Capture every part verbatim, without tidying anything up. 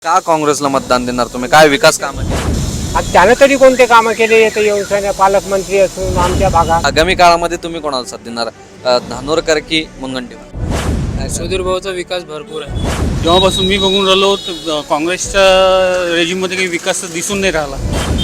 का काँग्रेसला मतदान देणार तुम्ही? काय विकास कामं केली? आता त्यानं तरी कोणते कामं केले येते येऊन पालकमंत्री असून आमच्या भागात. आगामी काळामध्ये तुम्ही कोणाला साथ देणार? अ, धानोरकर की मुनगंटीवार? सुधीर भाऊचा विकास भरपूर आहे. जेव्हापासून मी बघून राहिलो तर काँग्रेसच्या रेजिममध्ये काही विकास दिसून नाही राहिला.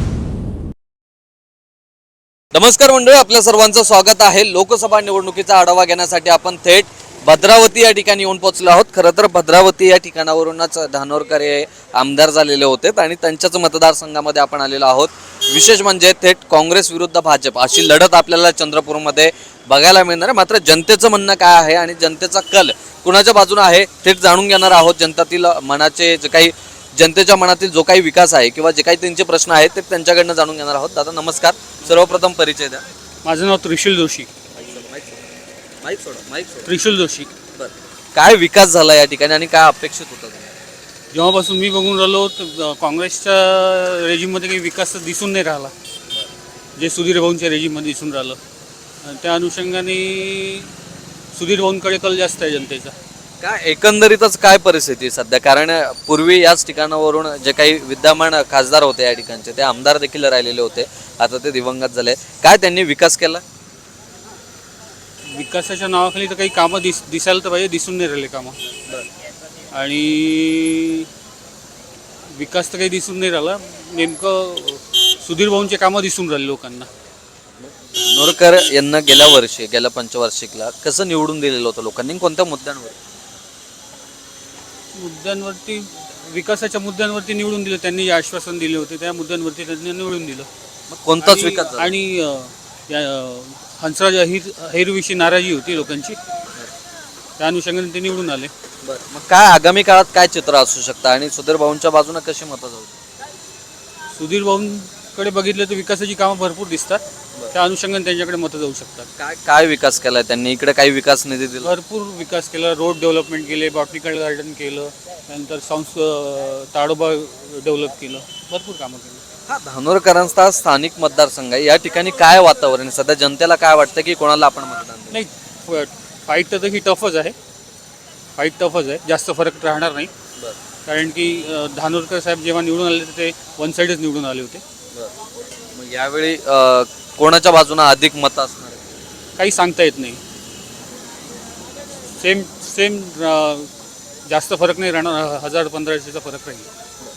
नमस्कार मंडळी, आपल्या सर्वांचं स्वागत आहे. लोकसभा निवडणुकीचा आढावा घेण्यासाठी आपण थेट भद्रावती या ठिकाणी येऊन पोहोचलो आहोत. खरं तर भद्रावती या ठिकाणावरूनच धानोरकर हे आमदार झालेले होते आणि त्यांच्याच मतदारसंघामध्ये आपण आलेलो आहोत. विशेष म्हणजे थेट काँग्रेस विरुद्ध भाजप अशी लढत आपल्याला चंद्रपूरमध्ये बघायला मिळणार आहे. मात्र जनतेचं म्हणणं काय आहे आणि जनतेचा कल कुणाच्या बाजूने आहे थेट जाणून घेणार आहोत. जनतातील मनाचे जे काही जनतेच्या मनातील जो काही विकास आहे किंवा जे काही त्यांचे प्रश्न आहेत ते त्यांच्याकडनं जाणून घेणार आहोत. दादा नमस्कार, सर्वप्रथम परिचय द्या. माझं नाव त्रिशूल जोशी. माईक सोडा, माईक सोडा. त्रिशूल जोशी. बरं, काय विकास झाला या ठिकाणी आणि काय अपेक्षित होतं? जेव्हापासून मी बघून राहिलो तर काँग्रेसच्या रेजिममध्ये काही विकास दिसून नाही राहिला, जे सुधीर भाऊंच्या रेजिममध्ये दिसून राहिलं. त्या अनुषंगाने सुधीर भाऊंकडे कल जास्त आहे जनतेचा. काय एकंदरीतच काय परिस्थिती आहे सध्या? कारण पूर्वी याच ठिकाणावरून जे काही विद्यमान खासदार होते या ठिकाणचे ते आमदार देखील राहिलेले होते, आता ते दिवंगत झाले. काय त्यांनी विकास केला? विकासाच्या नावाखाली तर काही कामं दिस दिसायला तर पाहिजे, दिसून नाही राहिले कामं. आणि विकास तर काही दिसून नाही राहिला. नेमकं सुधीर भाऊंचे कामं दिसून राहिले लोकांना. नोरकर यांना गेल्या वर्षी गेल्या पंचवार्षिकला कसं निवडून दिलेलं होतं लोकांनी, कोणत्या मुद्द्यांवर? मुद्द्यांवरती, विकासाच्या मुद्द्यांवरती निवडून दिलं. त्यांनी जे आश्वासन दिले होते त्या मुद्द्यांवरती त्यांनी निवडून दिलं. मग कोणताच आणि- विकास झाला? आणि अ, या, अ, हंसराज अहिर अहिरविषयी नाराजी होती लोकांची, त्या अनुषंगाने ते निवडून आले. बरं, मग काय आगामी काळात काय चित्र असू शकतं आणि सुधीर भाऊंच्या बाजूने कशी मतं जाऊ? सुधीर भाऊंकडे बघितलं तर विकासाची कामं भरपूर दिसतात, त्या अनुषंगाने त्यांच्याकडे मतं जाऊ शकतात. काय काय विकास केलाय त्यांनी? इकडे काही विकास निधी दिला? भरपूर विकास केला. रोड डेव्हलपमेंट केले, बॉटनिकल गार्डन केलं, त्यानंतर संस ताडोबा डेव्हलप केलं, भरपूर कामं केली. हा, धानोरकरांचा स्थानिक मतदारसंघ आहे. या ठिकाणी काय वातावरण आहे सध्या? जनतेला काय वाटतं की कोणाला आपण मतदान देऊ? नाही, फाईट तर ही टफच आहे. फाईट टफच आहे, जास्त फरक राहणार नाही. बरं, कारण की अ, धानोरकर साहेब जेव्हा निवडून आले तर ते वन साईडच निवडून आले होते. बरं. मग यावेळी अं, कोणाच्या बाजूने अधिक मतं असणार आहे? काही सांगता येत नाही. सेम सेम जास्त फरक नाही राहणार, हजार पंधराशेचा फरक राहील.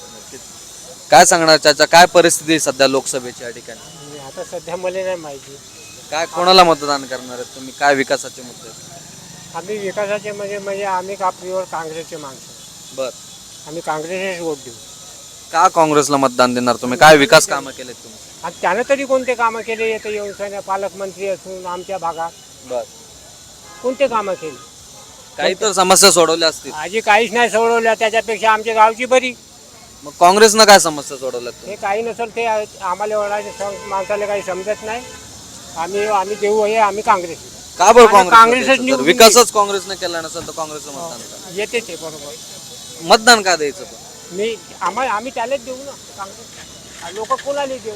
काय सांगणार त्याच्या? काय परिस्थिती आहे सध्या लोकसभेची या ठिकाणी? आता सध्या मला नाही माहिती. काय कोणाला मतदान करणार आहेत तुम्ही? काय विकासाचे मुद्दे आहेत? आम्ही विकासाचे म्हणजे म्हणजे आम्ही कापलीवर काँग्रेसचे माणसं, बर, आम्ही काँग्रेसच वोट देऊ. का काँग्रेसला मतदान देणार तुम्ही? काय विकास कामं केलेत तुम्ही? आता त्यानं तरी कोणते कामं केले येते येऊन पालकमंत्री असून आमच्या भागात. बर, कोणते कामं केली? काही तर समस्या सोडवल्या असतील. आजी काहीच नाही सोडवल्या, त्याच्यापेक्षा आमच्या गावची बरी. मग काँग्रेसनं काय समस्या सोडवल्यात हे तुम्ही? काही नसेल ते आम्हाला एवढा माणसाला काही समजत नाही. आम्ही आम्ही देऊ हे आम्ही काँग्रेस. का बरं आणि काँग्रेस? काँग्रेसच निवडून विकासच काँग्रेसने केला नसेल तर काँग्रेसला मतदान का? येते ते बरोबर. मतदान का द्यायचं पण? मी आम्हाला आम्ही त्यालाच देऊ ना काँग्रेस. लोक कोणाला देऊ?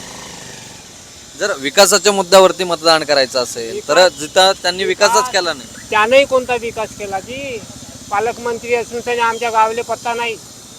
जर विकासाच्या मुद्द्यावरती मतदान करायचं असेल तर जिथं त्यांनी विकासच केला नाही. त्यानंही कोणता विकास केला जी पालकमंत्री असून त्याने आमच्या गावाला पत्ता नाही.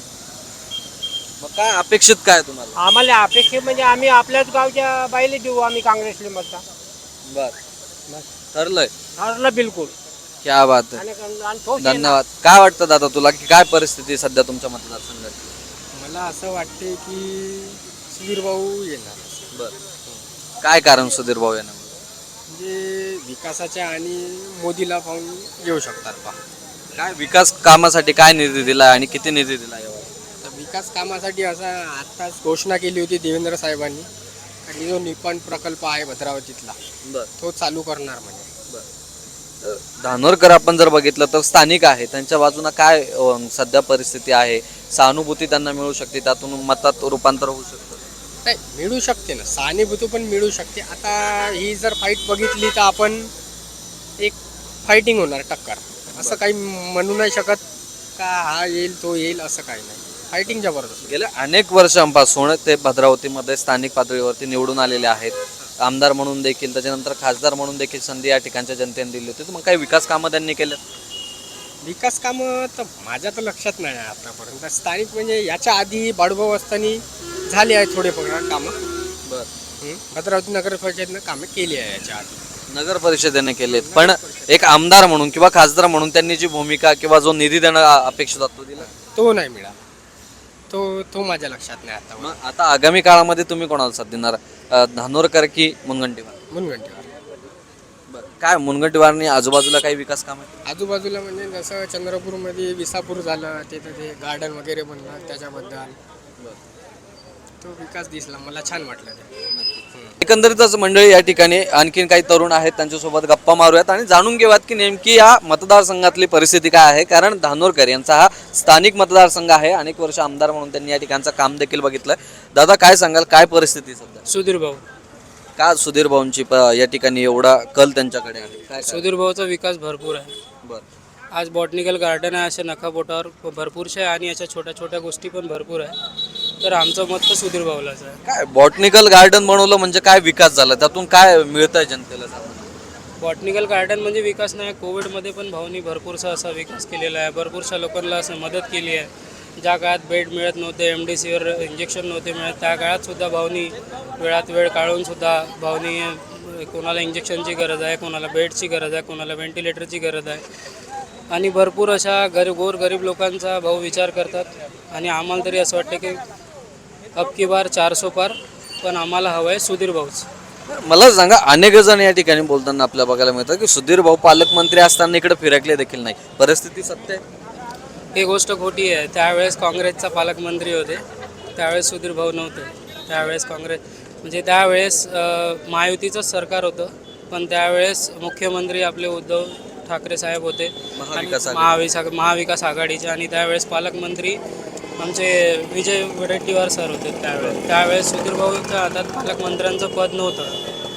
मग काय अपेक्षित काय तुम्हाला? आम्हाला अपेक्षा म्हणजे आम्ही आपल्याच गावच्या बाईला देऊ आम्ही काँग्रेसला मतदान. बर, ठरलंय. ठरलं बिलकुल. क्या बात आहे. आणि- आणि ठोस आहे ना. धन्यवाद. काय वाटतं दादा तुला की काय परिस्थिती आहे सध्या तुमच्या मतदारसंघात? मला असं वाटते की सुधीर भाऊ येणार, बर, काय कारण सुधीर भाऊ यांना? म्हणजे विकासाच्या आणि मोदीला पाहून येऊ शकतात बा. काय विकास कामासाठी काय निधी दिला आणि किती निधी दिला यावर? तर विकास कामासाठी असा आत्ताच घोषणा केली होती देवेंद्र साहेबांनी, आणि जो निपाण प्रकल्प आहे भद्रावतीतला बर, तो चालू करणार म्हणे. धानोरकर आपण जर बघितलं तर स्थानिक आहे, त्यांच्या बाजूला काय अं, सध्या परिस्थिती आहे? सहानुभूती त्यांना मिळू शकते, त्यातून मतात रूपांतर होऊ शकतं? नाही, मिळू शकते ना, सहानुभूती पण मिळू शकते. आता ही जर फाईट बघितली तर आपण एक फायटिंग होणार, टक्कर. असं काही म्हणू नाही शकत का हा येईल तो येईल, असं काही नाही. फायटिंग जबरदस्त. गेल्या अनेक वर्षांपासून ते भद्रावतीमध्ये स्थानिक पातळीवरती निवडून आलेले आहेत. आमदार म्हणून देखील, त्याच्यानंतर खासदार म्हणून देखील संधी या ठिकाणच्या जनतेने दिली होती. तर मग काही विकास कामं त्यांनी केलं? विकास कामं तर माझ्या तर लक्षात नाही आहे आतापर्यंत. स्थानिक म्हणजे याच्या आधी बाळूभाऊ असताना झाले आहे थोडेफार कामं. बर हं. भद्रावती नगर परिषदेनं कामं केली आहे याच्या आधी. नगर परिषदेने केलेत, पण एक आमदार म्हणून किंवा खासदार म्हणून त्यांनी जी भूमिका किंवा जो निधी देणं अ- अपेक्षित होता तो दिला. तो नाही मिळाला. तो तो माझ्या लक्षात नाही आता. मग आता आगामी काळामध्ये तुम्ही कोणाला साथ देणार, अ, धानोरकर की मुनगंटीवार? मुनगंटीवार. काय मुनगंटीवारनी आजूबाजूला काही विकास काम आहे? आजूबाजूला म्हणजे जसं चंद्रपूरमध्ये विसापूर झालं, तिथं ते गार्डन वगैरे बनलं, त्याच्याबद्दल तो विकास दिसला, मला छान वाटलं ते. एकंदरीतच मंडळी या ठिकाणी आणखीन काही तरुण आहेत, त्यांच्यासोबत गप्पा मारूयात आणि जाणून घेऊयात की नेमकी या मतदारसंघातली परिस्थिती काय आहे. कारण धानोरकर यांचा हा स्थानिक मतदारसंघ आहे, अनेक वर्ष आमदार म्हणून त्यांनी या ठिकाणचं काम देखील बघितलं. दादा काय सांगाल, काय परिस्थिती आहे सध्या? सुधीर भाऊ का सुधीर भाऊंची प- या ठिकाणी एवढा कल त्यांच्याकडे आहे? काय सुधीर भाऊचा विकास भरपूर आहे. बरं आज बॉटनिकल गार्डन आहे, अशा नखाबोटावर भरपूरशा आहे आणि अशा छोट्या छोट्या गोष्टी पण भरपूर आहे. तर आमचं मत तर सुधीर भाऊलाच आहे. काय बॉटनिकल गार्डन बनवलं म्हणजे काय विकास झाला, त्यातून काय मिळतंय जनतेला? बॉटनिकल गार्डन म्हणजे विकास नाही, कोविडमध्ये पण भाऊनी भरपूरसा असा विकास केलेला आहे. भरपूरशा लोकांना असं मदत केली आहे. ज्या काळात बेड मिळत नव्हते, एम डी सीवर इंजेक्शन नव्हते मिळत, त्या काळात सुद्धा भाऊनी वेळात वेळ काढून सुद्धा भाऊनी कोणाला इंजेक्शनची गरज आहे, कोणाला बेडची गरज आहे, कोणाला व्हेंटिलेटरची गरज आहे आणि भरपूर अशा गरीब गोर गरीब लोकांचा भाऊ विचार करतात. आणि आम्हाला तरी असं वाटतं की अब की बार चारसो पार, पण आम्हाला हवं आहे सुधीर भाऊच. मला सांगा, अनेक जण या ठिकाणी बोलताना आपल्याला बघायला मिळतं की सुधीर भाऊ पालकमंत्री असताना इकडे फिरकले देखील नाही. परिस्थिती सत्य आहे? ही गोष्ट खोटी आहे. त्यावेळेस काँग्रेसचा पालकमंत्री होते, त्यावेळेस सुधीर भाऊ नव्हते. त्यावेळेस काँग्रेस म्हणजे त्यावेळेस अ, महायुतीचंच सरकार होतं, पण त्यावेळेस मुख्यमंत्री आपले उद्धव ठाकरे साहेब होते आणि महाविकास आघाडी. महाविसा महाविकास आघाडीचे, आणि त्यावेळेस पालकमंत्री आमचे विजय वडेट्टीवार सर होते. त्यावेळेस त्यावेळेस सुधीर भाऊच्या हातात पालकमंत्र्यांचं पद नव्हतं.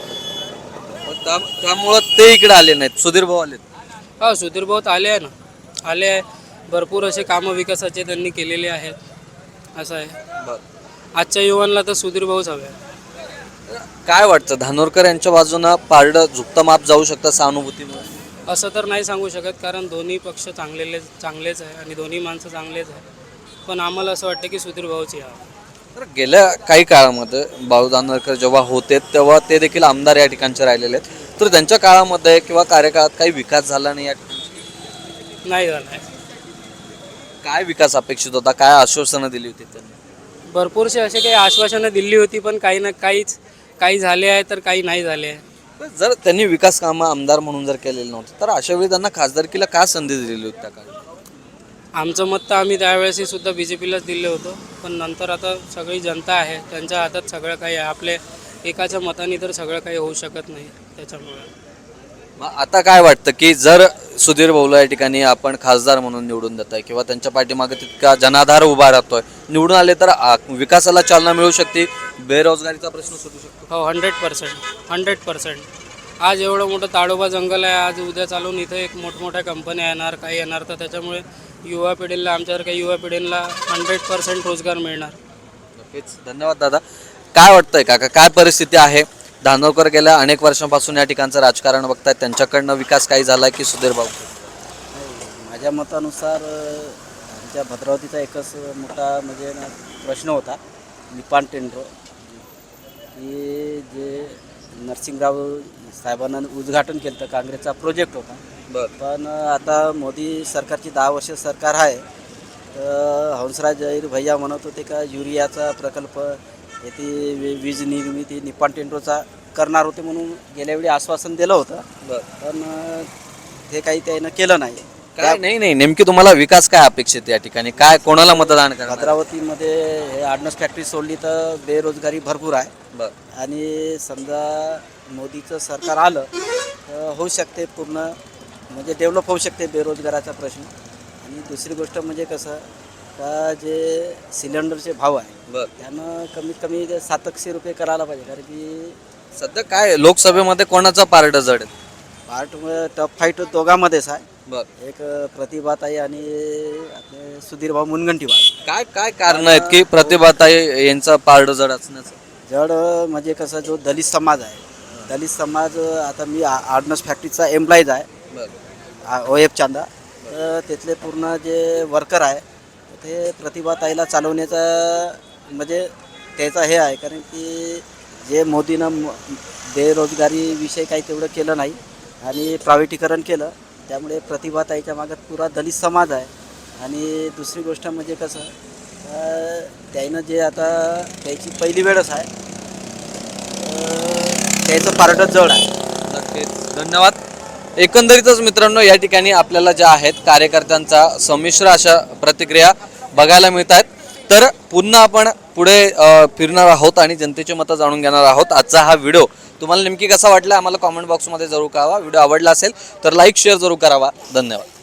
मग त्या- त्यामुळं ते इकडे आले नाहीत, सुधीर भाऊ आले. हा, सुधीर भाऊ आले आहे ना, आले आहे. भरपूर असे कामं विकासाचे त्यांनी केलेले आहेत. असं आहे, आजच्या युवांना तर सुधीर भाऊच हवे आहे. काय वाटतं, धानोरकर यांच्या बाजूनं पारडं झुकतं माप जाऊ शकतं सहानुभूतीमुळे? असं तर नाही सांगू शकत, कारण दोन्ही पक्ष चांगलेले चांगलेच आहे आणि दोन्ही माणसं चांगलेच आहे. पण आम्हाला असं वाटतं की सुधीर भाऊच यावं. तर गेल्या काही काळामध्ये बाळू धानोरकर जेव्हा होते तेव्हा ते देखील आमदार या ठिकाणचे राहिलेले आहेत. तर त्यांच्या काळामध्ये किंवा कार्यकाळात काही विकास झाला नाही या ठिकाणी? नाही झालं आहे. काय विकास अपेक्षित होता, काय आश्वासनं दिली होती त्यांनी? भरपूरसे असे काही आश्वासनं दिली होती, पण काही ना काहीच काही झाले आहे तर काही नाही झाले आहे. पण जर त्यांनी विकास कामं आमदार म्हणून जर केलेलं नव्हतं तर अशा वेळी त्यांना खासदारकीला का संधी दिलेली होती त्या काळात? आमचं मत तर आम्ही त्यावेळेसही सुद्धा बी जे पीलाच दिलं होतं, पण नंतर आता सगळी जनता आहे, त्यांच्या हातात सगळं काही आहे. आपले एकाच्या मताने तर सगळं काही होऊ शकत नाही. त्याच्यामुळे मग आता काय वाटतं की जर सुधीर भाऊला या ठिकाणी आपण खासदार म्हणून निवडून देत आहे किंवा त्यांच्या पाठीमागे तितका जनाधार उभा राहतोय, निवडून आले तर आ, विकासाला चालना मिळू शकते, बेरोजगारीचा प्रश्न सुटू शकतो? हो, हंड्रेड पर्सेंट हंड्रेड पर्सेंट आज एवढं मोठं ताडोबा जंगल आहे, आज उद्या चालून इथं एक मोठमोठ्या कंपन्या येणार, काही येणार, तर त्याच्यामुळे युवा पिढीला आमच्यासारख्या युवा पिढीला हंड्रेड पर्सेंट रोजगार मिळणार. नक्कीच. धन्यवाद दादा. काय वाटतंय काका, काय परिस्थिती आहे? धानोरकर गेल्या अनेक वर्षांपासून या ठिकाणचं राजकारण बघतायत, त्यांच्याकडनं विकास काही झाला की सुधीर भाऊ? माझ्या मतानुसार अ, आमच्या भद्रावतीचा एकच मोठा म्हणजे ना प्रश्न होता, निपाण टेंडर, की जे नरसिंगराव साहेबांना उद्घाटन केलं होतं, काँग्रेसचा प्रोजेक्ट होता. पण आता मोदी सरकारची दहा वर्ष सरकार आहे, तर हंसराज अहिर भैया म्हणत होते का युरियाचा प्रकल्प येथे वी- वीज निर्मिती निपाण टेंडरचा करणार होते म्हणून गेल्या वेळी आश्वासन दिलं होतं. पण अ, ते काही त्यानं केलं नाही. काय नाही नाही नेमकी तुम्हाला विकास काय अपेक्षित आहे या ठिकाणी, काय कोणाला मतदान करणार? भद्रावतीमध्ये हे आडनस फॅक्टरी सोडली तर बेरोजगारी भरपूर आहे. बरं. आणि समजा मोदीचं सरकार आलं तर होऊ शकते, पूर्ण म्हणजे डेव्हलप होऊ शकते बेरोजगाराचा प्रश्न. आणि दुसरी गोष्ट म्हणजे कसं का जे सिलेंडरचे भाव आहे बरं. त्यानं कमीत कमी ते सातशे रुपये करायला पाहिजे. कारण की सध्या काय लोकसभेमध्ये कोणाचा पारड जड आहे? पार्ट टफ फाईट दोघांमध्येच आहे. बरं. एक प्रतिभाताई आणि आपले सुधीर भाऊ मुनगंटीवार. काय काय कारण आहेत की प्रतिभाताई यांचा पारड जड असण्याचं? जड म्हणजे कसं, जो दलित समाज आहे, दलित समाज, आता मी आ- आडनस फॅक्टरीचा एम्प्लॉईज आहे, बरं. O F Chanda. तर तिथले पूर्ण जे वर्कर आहे ते प्रतिभाताईला चालवण्याचा म्हणजे त्याचा हे आहे, कारण की जे मोदीनं म- बेरोजगारीविषयी काही तेवढं केलं नाही आणि प्रायव्हेटीकरण केलं, त्यामुळे प्रतिभाताईच्या मागं पुरा दलित समाज आहे. आणि दुसरी गोष्ट म्हणजे कसं अं, त्यानं जे आता त्याची पहिली वेळच आहे, अं, त्याचं पारडं जड आहे. नक्कीच धन्यवाद. एकंदरीतच मित्रांनो या ठिकाणी आपल्याला ज्या आहेत कार्यकर्त्यांचा संमिश्र अशा प्रतिक्रिया बघायला मिळत आहेत. तर पुन्हा आपण पुढे अ, फिरणार आहोत आणि जनतेची मतं जाणून घेणार आहोत. आजचा हा व्हिडिओ तुम्हाला नेमकी कसा वाटला आम्हाला कॉमेंट बॉक्समध्ये जरूर कळवा. व्हिडिओ आवडला असेल तर लाईक शेअर जरूर करावा. धन्यवाद.